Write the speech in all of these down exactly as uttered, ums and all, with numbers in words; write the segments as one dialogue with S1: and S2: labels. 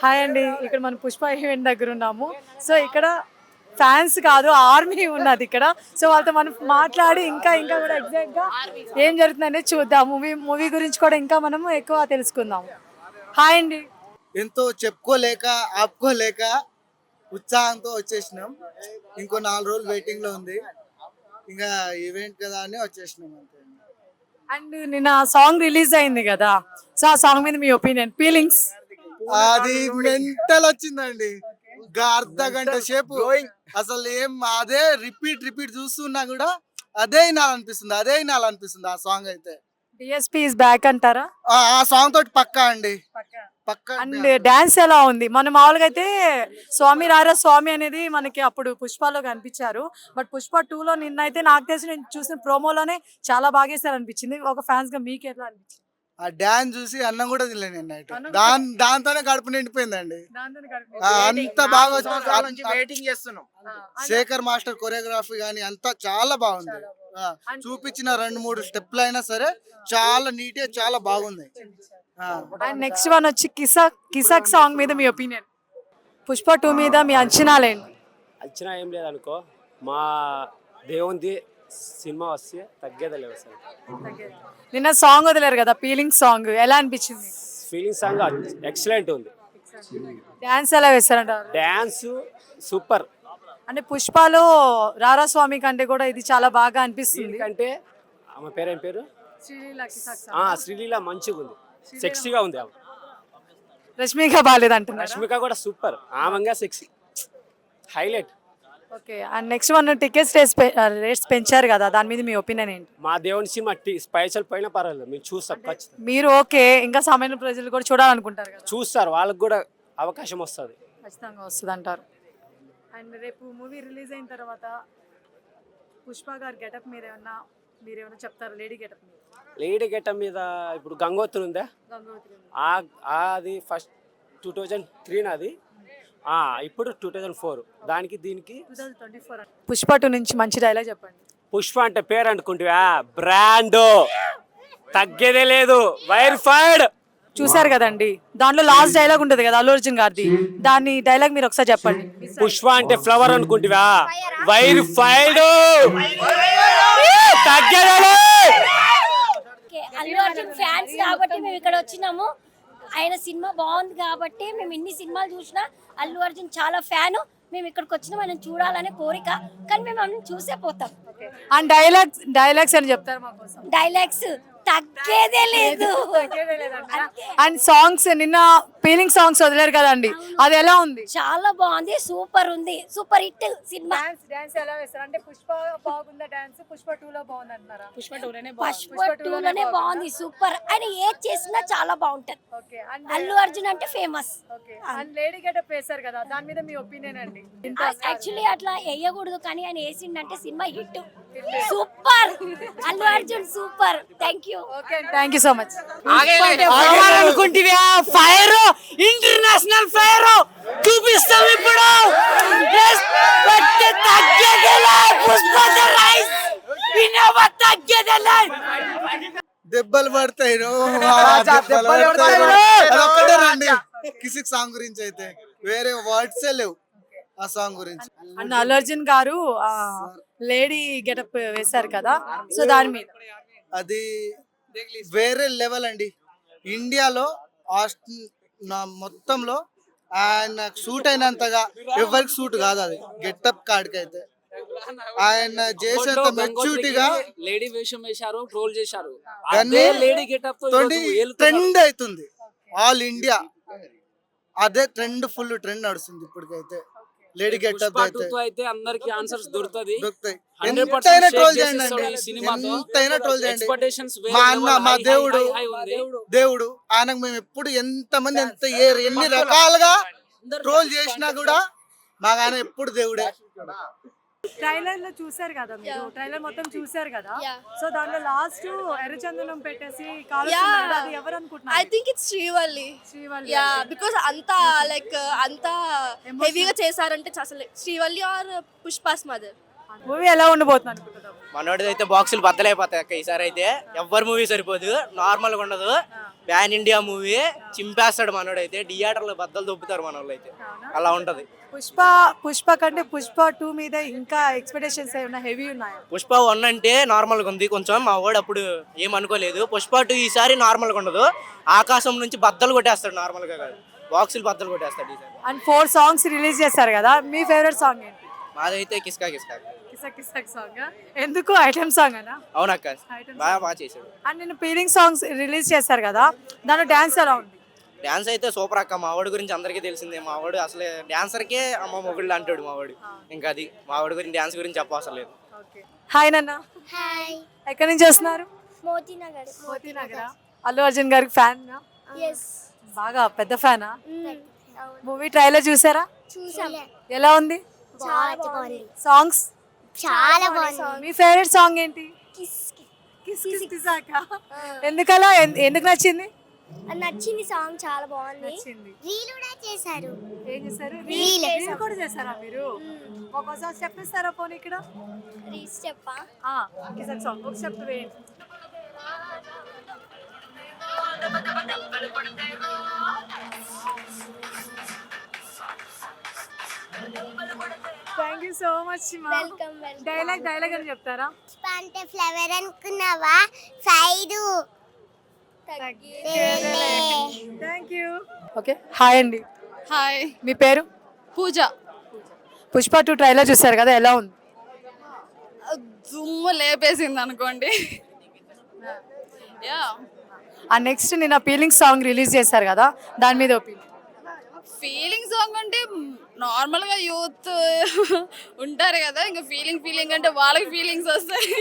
S1: Hi అండి, ఇక్కడ మనం పుష్ప ఈవెంట్ దగ్గర ఉన్నాము. సో ఇక్కడ ఫ్యాన్స్ కాదు, ఆర్మీ ఉన్నది ఇక్కడ. సో వాళ్ళతో మనం మాట్లాడి ఇంకా ఇంకా కూడా ఎగ్జాక్ట్గా ఏం జరుగుతుందనేది చూద్దాం. మూవీ మూవీ గురించి కూడా ఇంకా మనము ఎక్కువ తెలుసుకుందాం. హాయ్ అండి.
S2: ఎంతో చెప్పుకోలేక ఆపుకోలేక ఉత్సాహంతో వచ్చేసినాం. ఇంకో నాలుగు రోజులు వెయిటింగ్ లో ఉంది. ఇంకా ఈవెంట్ కదా అని వచ్చేసినాం అంతే.
S1: అండ్ నిన్న సాంగ్ రిలీజ్ అయింది కదా, సో ఆ సాంగ్ మీద మీ ఒపీనియన్, ఫీలింగ్స్?
S2: అది మెంటల్ వచ్చిందండి. ఇంకా అర్ధ గంట సేపు అసలు ఏం అదే రిపీట్ రిపీట్ చూస్తున్నా కూడా అదే వినాలనిపిస్తుంది, అదే వినాలనిపిస్తుంది. ఆ సాంగ్ అయితే
S1: డిఎస్పీ ఇస్ బ్యాక్ అంటారా?
S2: ఆ ఆ సాంగ్ తోటి పక్కా అండి, పక్కా.
S1: అండ్ డాన్స్ ఎలా ఉంది? మన మామూలుగా అయితే స్వామి రారా స్వామి అనేది మనకి అప్పుడు పుష్పలో కనిపించారు, బట్ పుష్ప టూ లో నిన్న అయితే నాకు తెలిసి నేను చూసిన ప్రోమోలోనే చాలా బాగా వేసారు అనిపించింది. ఒక ఫ్యాన్స్ గా మీకు ఎట్లా అనిపించింది?
S2: ఆ డాన్స్ చూసి అన్నం కూడా తినలేను నేను నైట్. దాని దాంతోనే కడుపు నిండిపోయిందండి. ఆ, అంత బాగా వచ్చి-
S3: వెయిటింగ్ చేస్తున్నాం.
S2: శేఖర్ మాస్టర్ కొరియోగ్రఫీ కానీ అంతా చాలా బాగుంది. ఆ, చూపించిన రెండు మూడు స్టెప్లు అయినా సరే చాలా నీట్ గా చాలా బాగుంది. ఆ.
S1: అండ్ నెక్స్ట్ వన్ వచ్చి కిసాక్ కిసాక్ సాంగ్ మీద మీ ఒపీనియన్, పుష్ప టూ మీద మీ అంచనాలేంటి?
S4: అంచనా ఏం లేదనుకో, మా దేవుంది సినిమా వస్తే తగ్గేదే లేవు అసలు.
S1: నిన్న సాంగ్ వదిలేరు కదా, ఫీలింగ్ సాంగ్ ఎలా అనిపించింది?
S4: ఫీలింగ్ సాంగ్ ఎక్సలెంట్ ఉంది.
S1: డాన్స్ ఎలా వేస్తారంటారు?
S4: Dance super.
S1: అంటే పుష్పలో రారా స్వామి కంటే కూడా ఇది చాలా బాగా అనిపిస్తుంది.
S4: ఎందుకంటే ఆమె పేరు ఏం పేరు,
S1: శ్రీలీల కిసాక్
S4: ఆ
S1: సాంగ్.
S4: శ్రీలీల మంచిగా ఉంది, సెక్సీగా ఉంది. ఆమె
S1: రష్మిక బాలేదంటున్నారు.
S4: రష్మిక కూడా సూపర్, ఆమెగా sexy highlight.
S1: Okay. And next one tickets rates rates పెంచారు కదా, దాని మీద మీ ఒపీనియన్ ఏంటి?
S4: మా దేవుని సినిమా టీ పైసలు పోయినా పర్వాలేదు, మేము చూస్తాం ఖచ్చితంగా.
S1: మీరు ఓకే, ఇంకా సామాన్య ప్రజలు కూడా చూడాలనుకుంటారు కదా,
S4: చూస్తారు, వాళ్ళకి కూడా అవకాశం వస్తుంది.
S1: ఖచ్చితంగా వస్తుంది అంటారు. అండ్ రేపు మూవీ రిలీజ్ అయిన తర్వాత పుష్ప గారి గెటప్ మీద ఏమన్నా మీరు ఏమైనా చెప్తారు? లేడీ గెటప్ మీద,
S4: లేడీ గెటప్ మీద ఇప్పుడు గంగోత్రి ఉందా,
S1: గంగోత్రి ఉంది.
S4: ఆ- అది ఫస్ట్ టూ థౌజండ్ త్రీ నాది, ఆ, ఇప్పుడు టూ థౌజండ్ ఫోర్. దానికి దీనికి
S1: two thousand twenty four. Pushpa two నుంచి మంచి డైలాగ్ చెప్పండి.
S4: పుష్ప అంటే పేరు అనుకుంటువా, బ్రాండ్ తగ్గేదే లేదు, వైర్ఫైడ్.
S1: చూసారు కదండి, దాంట్లో లాస్ట్ డైలాగ్ ఉంటుంది కదా అల్లు అర్జున్ గారిది, దాని డైలాగ్ మీరు ఒకసారి చెప్పండి.
S4: పుష్ప అంటే ఫ్లవర్ అనుకుంటువా, వైర్ఫైడ్ తగ్గేదే లేదు.
S5: ఓకే, అల్లు అర్జున్ ఫ్యాన్స్ కాబట్టి మేము ఇక్కడ వచ్చినాము. ఆయన సినిమా బాగుంది కాబట్టి మేము ఇన్ని సినిమాలు చూసినా అల్లు అర్జున్ చాలా ఫ్యాను. మేము ఇక్కడికి వచ్చినాం ఆయన చూడాలనే కోరిక, కానీ మేము అన్ని చూసే పోతాం.
S1: అండ్ డైలాగ్స్ డైలాగ్స్ అని చెప్తారు మా కోసం?
S5: డైలాగ్స్ తగ్గేదే లేదు.
S1: అండ్ సాంగ్స్ నిన్న ఫీలింగ్ సాంగ్స్ వదిలేరు కదండి, అది ఎలా ఉంది?
S5: చాలా బాగుంది, సూపర్ ఉంది, super hit cinema.
S1: Dance dance ఎలా వేస్తారు? అంటే పుష్ప బాగుందా డాన్స్, పుష్ప టూ లో బాగుంది అంటారా? పుష్ప టూలోనే
S5: పుష్ప టూ లోనే బాగుంది, సూపర్. ఆయన ఏది చేసినా చాలా బాగుంటది.
S1: ఓకే. అండ్
S5: అల్లు అర్జున్ అంటే famous.
S1: Okay. And lady getup వేశారు కదా, దాని మీద మీ ఒపీనియన్ అండి?
S5: యాక్చువల్లీ అట్లా వేయకూడదు, కానీ ఆయన వేసిండంటే cinema hit, super. Allu Arjun super. Thank you.
S1: Okay, thank you so much.
S4: అనుకుంటువా, ఫైర్ ఇంటర్నేషనల్ ఫైర్ చూపిస్తాం ఇప్పుడు.
S2: దెబ్బలు పడతాయి రో, దెబ్బలు పడతాయి రో. అదొక్కటే రండి కిసిక్ సాంగ్ గురించి, అయితే వేరే వర్డ్స్ లేవు ఆ సాంగ్ గురించి.
S1: అండ్ అల్లు అర్జున్ గారు లేడీ గెటప్ వేశారు కదా, సో దాని మీద
S2: అది వేరే లెవెల్ అండి. ఇండియాలో ఆస్ట్ నా మొత్తంలో ఆయన సూట్ అయినంతగా ఎవరికి సూట్ కాదు అది గెటప్ కాడికి. అయితే ఆయన చేసేంత మెచ్యూరిటీగా
S3: లేడీ వేషం వేశారు, ట్రోల్ చేశారు.
S2: కానీ
S3: లేడీ గెటప్
S2: ట్రెండ్ అవుతుంది ఆల్ ఇండియా. అదే ట్రెండ్, ఫుల్ ట్రెండ్ నడుస్తుంది ఇప్పటికైతే లేడీ గెటప్ అయితే.
S3: అయితే అందరికి ఆన్సర్స్ దొరుకుతుంది.
S2: దొరుకుతాయి.
S3: హండ్రెడ్
S2: ఎంతైనా
S3: పర్సెంట్
S2: ట్రోల్ చేయండి అండి,
S3: సినిమాతో
S2: ఎంతైనా ట్రోల్ చేయండి.
S3: ఎక్స్పెక్టేషన్స్
S2: మా అన్న, మా దేవుడు దేవుడు ఆయనకు మేము ఎప్పుడు ఎంత మంది ఎంత ఏ- ఎన్ని రకాలుగా ట్రోల్ చేసినా కూడా మాకు ఆయన ఎప్పుడు దేవుడే.
S1: ట్రైలర్ లో చూసారు కదా మీరు, ట్రైలర్ మొత్తం చూసారు కదా, సో దాంట్లో లాస్ట్ ఎర్రచందనం పెట్టేసి కాలుస్తున్నారు కదా, అది ఎవరు అనుకుంటున్నారు?
S6: I think it's Srivalli.
S1: Srivalli.
S6: Yeah, because anta like uh, anta heavy గా చేశారంటే అసలు Srivalli or Pushpa's mother.
S1: Movie ఎలా ఉండబోతుంది అనుకుంటున్నావు?
S7: మనోడిది అయితే బాక్సులు బద్దలైపోతాయి అక్క ఈసారి అయితే. ఎవ్వరు మూవీ సరిపోదు, నార్మల్గా ఉండదు. ప్యాన్ ఇండియా మూవీ చింపేస్తాడు మనోడైతే. థియేటర్లో బద్దలు దొబ్బుతారు మన వాళ్ళు అయితే. అలా ఉంటది.
S1: పుష్ప పుష్ప కంటే పుష్ప టూ మీద ఇంకా ఎక్స్పెక్టేషన్స్ ఏమైనా హెవీ ఉన్నాయా?
S7: పుష్ప వన్ అంటే నార్మల్గా ఉంది కొంచెం, మా వాడు అప్పుడు ఏమనుకోలేదు. పుష్ప టూ ఈసారి నార్మల్గా ఉండదు, ఆకాశం నుంచి బద్దలు కొట్టేస్తాడు. నార్మల్గా కాదు, బాక్సులు బద్దలు కొట్టేస్తాడు ఈసారి.
S1: అండ్ ఫోర్ సాంగ్స్ రిలీజ్ చేస్తారు కదా, మీ ఫేవరెట్ సాంగ్ ఏంటి?
S7: మాదైతే కిస్కా కిస్కా.
S1: కిసక్ కిసక్ సాంగ్ ఎందుకు? ఐటమ్ సాంగ్ అనా?
S7: అవునక్క, బాగా బాగా చేశాడు.
S1: అండ్ నేను ఫీలింగ్ సాంగ్స్ రిలీజ్ చేస్తారు కదా, దాంట్లో డాన్స్ ఎలా ఉంది?
S7: డాన్స్ అయితే సూపర్ అక్క. మా వాడి గురించి అందరికీ తెలిసిందే. మా వాడు అసలే డాన్సర్కే అమ్మ మొగుళ్ళు అంటాడు మా వాడు. ఇంకా అది మా వాడి గురించి డాన్స్ గురించి చెప్పవసరం లేదు.
S1: హాయ్ నాన్న.
S5: హాయ్.
S1: ఎక్కడి నుంచి వస్తున్నారు?
S5: మోతీనగర్.
S1: మోతీనగర్. అల్లు అర్జున్ గారికి ఫ్యాన్?
S5: ఎస్.
S1: బాగా పెద్ద ఫ్యానా? మూవీ ట్రైలర్ చూసారా?
S5: చూసాం.
S1: ఎలా ఉంది?
S5: చాలా బాగుంది.
S1: సాంగ్స్
S5: చాలా బాగుంది.
S1: మీ ఫేవరెట్ సాంగ్ ఏంటి?
S5: కిస్
S1: కిస్ కిస్ కిసాక. ఎందుకలా? ఎన్- ఎందుకు నచ్చింది?
S5: నచ్చింది సాంగ్, చాలా బాగుంది.
S1: నచ్చింది.
S5: రీల్ కూడా చేశారు.
S1: ఏం చేశారు?
S5: Reel.
S1: రీల్ కూడా చేశారా మీరు? ఒక్కోసారి స్టెప్ ఇస్తారా పోనీ ఇక్కడ?
S5: రీల్స్ చెప్పా.
S1: ఆ, కిసక్ సాంగ్ ఒక స్టెప్ వేయండి. థ్యాంక్ యూ సో మచ్ మా.
S5: Welcome welcome.
S1: డైలాగ్ డైలాగ్ అని చెప్తారా?
S5: అంటే ఫ్లవర్ అనుకున్నావా? Side
S1: thank you. Okay, hi అండి.
S6: హాయ్.
S1: మీ పేరు?
S6: పూజ.
S1: పుష్ప టూ ట్రైలర్ చూసారు కదా, ఎలా ఉంది?
S6: దుమ్ము లేపేసింది అనుకోండి. యా.
S1: ఆ నెక్స్ట్ నిన్న ఫీలింగ్ సాంగ్ రిలీజ్ చేశారు కదా, దాని మీద ఒపీనియన్?
S6: ఫీలింగ్ సాంగ్ అంటే నార్మల్గా యూత్ ఉంటారు కదా, ఇంకా ఫీలింగ్ ఫీలింగ్ అంటే వాళ్ళకి ఫీలింగ్స్ వస్తాయి.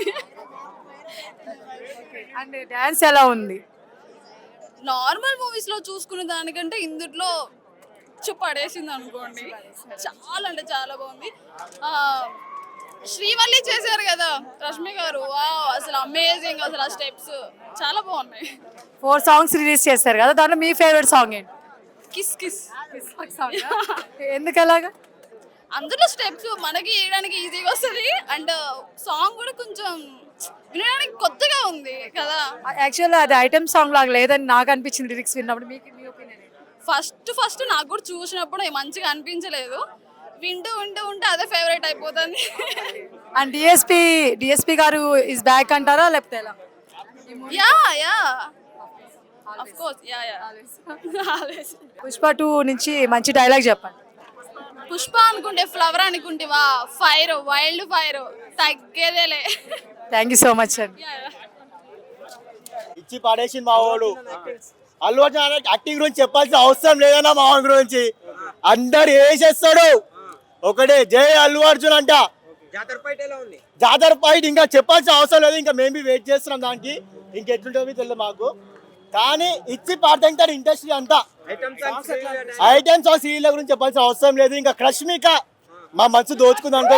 S1: అండ్ డ్యాన్స్ ఎలా ఉంది?
S6: నార్మల్ మూవీస్లో చూసుకునే దానికంటే ఇందులో చ్చు పడేసింది అనుకోండి. చాలా అంటే చాలా బాగుంది. ఆ, శ్రీవల్లి చేశారు కదా రష్మి గారు, వావ్ అసలు అమేజింగ్. అసలు ఆ స్టెప్స్ చాలా బాగున్నాయి.
S1: ఫోర్ సాంగ్స్ రిలీజ్ చేశారు కదా, దాంట్లో మీ ఫేవరెట్ సాంగ్ ఏంటి?
S6: కిస్ కిస్.
S1: ఎందుకు అలాగా?
S6: అందులో స్టెప్స్ మనకి వేయడానికి ఈజీగా వస్తుంది, అండ్ సాంగ్ కూడా కొంచెం వినడానికి కొత్తగా ఉంది కదా.
S1: యాక్చువల్లీ అది ఐటమ్ సాంగ్ లాగా లేదని నాకు అనిపించింది లిరిక్స్ విన్నప్పుడు. మీకు మీ ఒపీనియన్?
S6: ఫస్ట్ ఫస్ట్ నాకు కూడా చూసినప్పుడు మంచిగా అనిపించలేదు, వింటూ వింటూ ఉంటే అదే ఫేవరెట్ అయిపోతుంది.
S1: And DSP DSP garu is back అంటారా లేకపోతే ఎలా?
S6: Yeah yeah of course yeah yeah.
S1: Pushpa two నుంచి మంచి డైలాగ్ చెప్పండి.
S6: పుష్ప అనుకుంటే ఫ్లవర్ అనుకుంటేవా, ఫైర్ వైల్డ్ ఫైర్ తగ్గేదేలే.
S1: థ్యాంక్ యూ సో మచ్ అండి.
S8: ఇచ్చి పడేసింది మా వాడు. అల్లు అర్జున్ యాక్టింగ్ గురించి చెప్పాల్సిన అవసరం లేదన్నా మా వాడి గురించి. అందరు వేసేస్తాడు ఒకటే జై అల్లు అర్జున్ అంట. జాతర ఫైట్ ఇంకా చెప్పాల్సిన అవసరం లేదు, ఇంకా మేము వెయిట్ చేస్తున్నాం దానికి. ఇంకెట్లుంటుందో తెలియదు మాకు, కానీ ఇచ్చి పాడతాడు ఇండస్ట్రీ అంతా. ఐటమ్స్ ఆ సీరియల్ గురించి చెప్పాల్సిన అవసరం లేదు. ఇంకా క్రష్మిక మా మనసు దోచుకుంది అనుకో.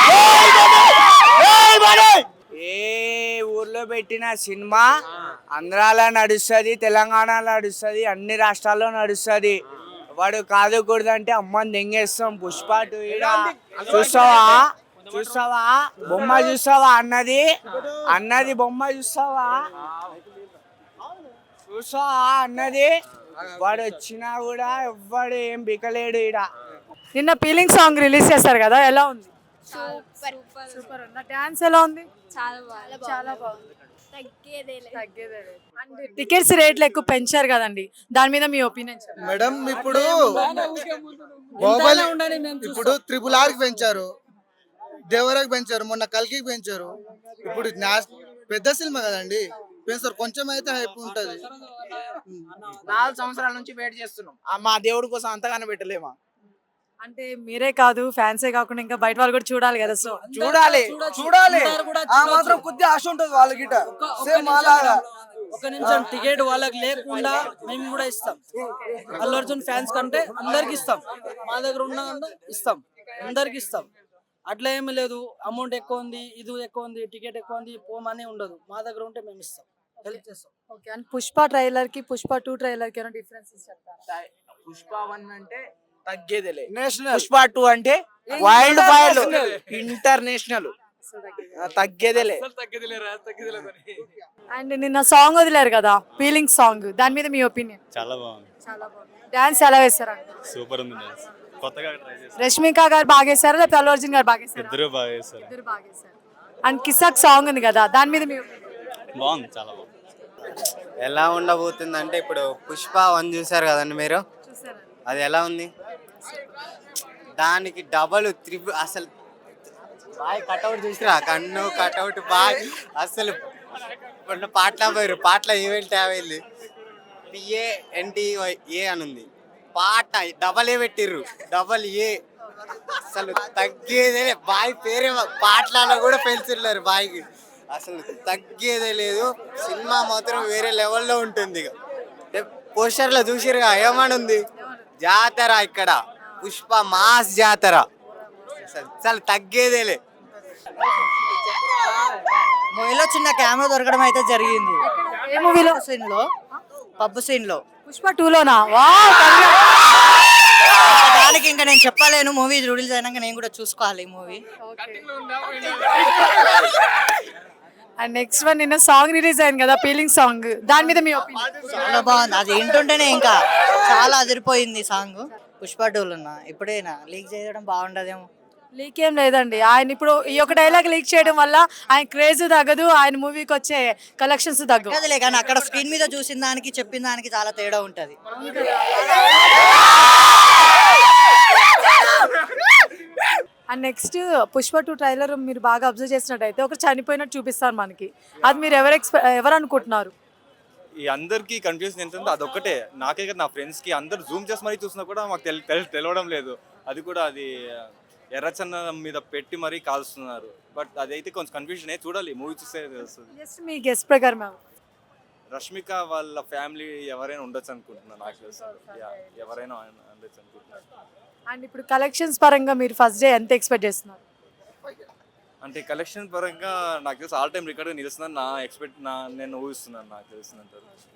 S9: ఏ ఊర్లో పెట్టిన సినిమా ఆంధ్రాలో నడుస్తుంది, తెలంగాణలో నడుస్తుంది, అన్ని రాష్ట్రాల్లో నడుస్తుంది. వాడు కాదు కూడదంటే అమ్మని దెంగేస్తాం. పుష్ప టూ చూస్తావా చూస్తావా బొమ్మ చూస్తావా అన్నది అన్నది బొమ్మ చూస్తావా చూస్తావా అన్నది. వాడు వచ్చినా కూడా ఎవ్వడు ఏం బికలేడు ఈడ.
S1: నిన్న ఫీలింగ్ సాంగ్ రిలీజ్ చేశారు కదా, ఎలా ఉంది?
S5: సూపర్
S1: సూపర్ ఉంది. డాన్స్ ఎలా ఉంది?
S5: చాలా బాగుంది.
S1: చాలా బాగుంది.
S5: తగ్గేదేలే.
S1: తగ్గేదే. అండ్ టికెట్స్ రేట్లు ఎక్కువ పెంచారు కదండి, దాని మీద మీ ఒపీనియన్ చెప్పండి.
S2: మేడం ఇప్పుడు బాహుబలి ఇప్పుడు త్రిపుల్ ఆర్ కి పెంచారు, దేవరాకి పెంచారు, మొన్న కల్కి పెంచారు. ఇప్పుడు న్యాస్- పెద్ద సినిమా కదండి, పెంచారు. కొంచెం అయితే హైప్ ఉంటది.
S7: నాలుగు సంవత్సరాల నుంచి వెయిట్ చేస్తున్నాం. ఆ మా దేవుడి కోసం అంతగానే పెట్టలేమా?
S1: అంటే మీరే కాదు, ఫ్యాన్సే కాకుండా ఇంకా బయట వాళ్ళు కూడా చూడాలి కదా. సో
S7: చూడాలి చూడాలి ఆ మాత్రం కొద్ది ఆశ ఉంటుంది వాళ్ళకి. సేమ్ అలాగా
S10: ఒక నిమిషం టికెట్ వాళ్ళకి లేకుండా మేము కూడా ఇస్తాం. అల్లు అర్జున్ ఫ్యాన్స్ కంటే అందరికి ఇస్తాం, మా దగ్గర ఉన్న ఇస్తాం, అందరికి ఇస్తాం. అట్లా ఏమీ లేదు అమౌంట్ ఎక్కువ ఉంది, ఇది ఎక్కువ ఉంది, టికెట్ ఎక్కువ ఉంది, పోమని ఉండదు. మా దగ్గర ఉంటే మేము ఇస్తాం, హెల్ప్ చేస్తాం.
S1: ఓకే. అండ్ పుష్ప ట్రైలర్ కి పుష్ప టూ ట్రైలర్ కి డిఫరెన్సెస్ చెప్తారా?
S7: పుష్ప వన్ అంటే
S9: తగ్గేదేలే
S10: నేషనల్
S9: పుష్ప టూ అంటే వైల్డ్ ఫైర్ ఇంటర్నేషనల్ తగ్గేదేలే
S1: అండ్ నిన్న సాంగ్ వదిలేరు కదా ఫీలింగ్ సాంగ్, దాని మీద మీ ఒపీనియన్?
S11: చాలా బాగుంది,
S1: చాలా బాగుంది. డాన్స్ ఎలా వేస్తారు?
S11: సూపర్ ఉంది డాన్స్. కొత్తగా ట్రై చేశారు,
S1: రష్మిక గారు బాగా వేస్తారా లేకపోతే అల్లు అర్జున్ గారు బాగా వేస్తారా?
S11: ఇద్దరు బాగా చేశారు.
S1: ఇద్దరు బాగా వేస్తారు. అండ్ కిసాక్ సాంగ్ ఉంది కదా, దాని మీద మీ opinion?
S11: బాగుంది, చాలా బాగుంది.
S7: ఎలా ఉండబోతుంది అంటే ఇప్పుడు పుష్ప వన్ చూసారు కదండి మీరు,
S1: చూసారా?
S7: అది ఎలా ఉంది? దానికి డబల్ త్రిబుల్ అసలు బాయ్ కట్అవుట్ చూసిరా, కన్ను కట్అవుట్ బాయ్ అసలు మొన్న పాటల పోయారు, పాటల ఈవెంట్ వెళ్ళి పిఏ ఎన్టీవై ఏ అని ఉంది, పాట డబల్ ఏ పెట్టిర్రు, డబల్ ఏ అసలు తగ్గేదే బాయ్ పేరే పాటలలో కూడా పెంచున్నారు బాయ్కి, అసలు తగ్గేదే లేదు. సినిమా మాత్రం వేరే లెవెల్లో ఉంటుంది. ఇక పోస్టర్లో చూసిరుగా ఏమని ఉంది, జాతర ఇక్కడ పుష్ప మాస్ జాతర, అసలు తగ్గేదేలే.
S12: మూవీలో చిన్న కెమెరా దొరకడం అయితే జరిగింది.
S1: ఏ మూవీలో?
S12: సీన్ లో పబ్బు సీన్ లో.
S1: పుష్ప టూ లోనా? వా
S12: దానికి ఇంకా నేను చెప్పలేను, మూవీ రిలీజ్ అయినాక నేను కూడా చూసుకోవాలి ఈ మూవీ.
S1: అండ్ నెక్స్ట్ వన్ నిన్న సాంగ్ రిలీజ్ అయింది కదా ఫీలింగ్ సాంగ్, దాని మీద మీ ఒపీనియన్?
S12: చాలా బాగుంది, అది వింటుంటేనే ఇంకా చాలా అదిరిపోయింది సాంగ్. పుష్ప టూలు ఉన్నా ఇప్పుడేనా లీక్ చేయడం బాగుండదేమో.
S1: లీక్ ఏం లేదండి, ఆయన ఇప్పుడు ఈ ఒక డైలాగ్ లీక్ చేయడం వల్ల ఆయన క్రేజ్ తగ్గదు, ఆయన మూవీకి వచ్చే కలెక్షన్స్ తగ్గవు.
S12: అదిలే కానీ అక్కడ స్క్రీన్ మీద చూసిన దానికి చెప్పిన దానికి చాలా తేడా ఉంటది.
S1: And next Pushpa two trailer మీరు బాగా అబ్జర్వ్ చేసినట్టయితే ఒకరు చనిపోయినట్టు చూపిస్తారు మనకి, అది మీరు ఎవరు ఎక్స్పె ఎవరు అనుకుంటున్నారు?
S11: ఈ అందరికి కన్ఫ్యూజన్ ఏంటంటే అదొక్కటే, నాకే కదా నా ఫ్రెండ్స్కి అందరు జూమ్ చేసి మరీ చూసినా కూడా మాకు తెలి తెలి- తెలవడం లేదు. అది కూడా అది ఎర్రచందనం మీద పెట్టి మరీ కాల్స్తున్నారు. బట్ అదైతే కొంచెం కన్ఫ్యూజన్ అయ్యి చూడాలి, మూవీ చూస్తే తెలుస్తుంది.
S1: జస్ట్ మీ గెస్ట్ ప్రకారం ఎవరు?
S11: రష్మిక వాళ్ళ ఫ్యామిలీ ఎవరైనా ఉండొచ్చు అనుకుంటున్నాను, నాకు తెలుసు. యా, ఎవరైనా ఉండొచ్చు అనుకుంటున్నాను.
S1: అండ్ ఇప్పుడు కలెక్షన్స్ పరంగా మీరు ఫస్ట్ డే ఎంత ఎక్స్పెక్ట్ చేస్తున్నారు?
S11: అంటే కలెక్షన్ పరంగా నాకు తెలిసి ఆల్ టైమ్ రికార్డ్ నిలుస్తుందని నా ఎక్స్పెక్ట్ నా నేను ఊహిస్తున్నాను, నాకు తెలిసినంత.